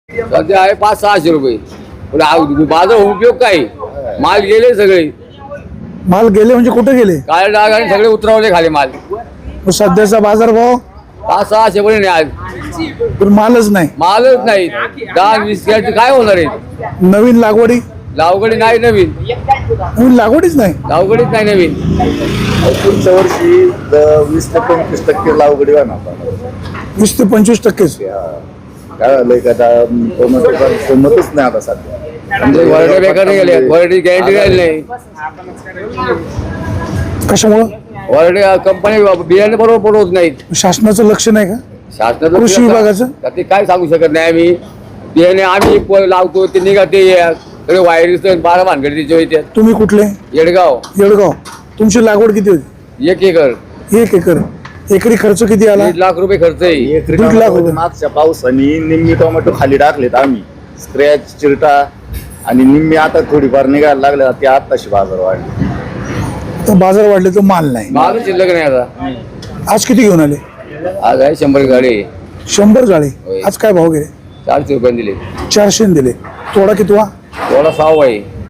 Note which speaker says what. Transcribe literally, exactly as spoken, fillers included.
Speaker 1: सध्या आहे पाच सहाशे रुपये पण आ- बाजार उपयोग काय माल गेले सगळे
Speaker 2: माल गेले म्हणजे कुठे गेले?
Speaker 1: काळे डाग आणि सगळे उतरवले खाली माल
Speaker 2: मग सध्याचा बाजारभाव
Speaker 1: पाच सहाशे पर्यंत आहे आज
Speaker 2: पण मालच नाही.
Speaker 1: मालच नाही दहा वीस घ्यायचे काय होणार आहे
Speaker 2: नवीन लागवडी
Speaker 1: लावगडी नाही नवीन
Speaker 2: नवीन लागवडीच नाही.
Speaker 1: लावगडीच नाही नवीन
Speaker 3: पुढच्या वर्षी द- वीस ते पंचवीस टक्के लावगडी होणार.
Speaker 2: वीस ते पंचवीस टक्केच.
Speaker 3: काय झालंय का आता टोमॅटोचा किंमतच नाही आता सध्या.
Speaker 1: म्हणजे वरडे बेकार नाही गेले वरडी गॅरंटी राहिली नाही
Speaker 2: कशामुळं?
Speaker 1: वरडे कंपनी बियाणे बरोबर पडवत नाहीत
Speaker 2: शासनाचं लक्ष नाही का?
Speaker 1: शासनाचं
Speaker 2: कृषी विभागाचं?
Speaker 1: तर ते काय सांगू शकत नाही आम्ही बियाणे आम्ही प- लावतो ते निघते सगळे वायरीस बारा भानगडी त्याच्या होते
Speaker 2: तुम्ही कुठले?
Speaker 1: येडगाव
Speaker 2: येडगाव. तुमची लागवड किती होती?
Speaker 1: एक एकर
Speaker 2: एक एकर. एकरी खर्च किती आला?
Speaker 1: दीड लाख रुपये खर्च आहे
Speaker 3: एक
Speaker 2: दीड लाख
Speaker 3: टोमॅटो
Speaker 2: रुपये.
Speaker 3: मागच्या पावसाने निम्मी टोमॅटो खाली टाकलेत आम्ही स्क्रॅच चिरटा आणि निम्मी आता थोडीफार निघायला लागले ते आत्ताशी बाजार वाढले.
Speaker 2: तर बाजार वाढले तर माल नाही.
Speaker 1: माल शिल्लक नाही आता
Speaker 2: आज किती घेऊन आले?
Speaker 1: आज आहे शंभर गाडी
Speaker 2: शंभर गाळे.
Speaker 1: होय.
Speaker 2: आज काय भाव गेले?
Speaker 1: चारशे रुपये दिले
Speaker 2: चारशे दिले. तोडा कितवा?
Speaker 1: थोडा साव आहे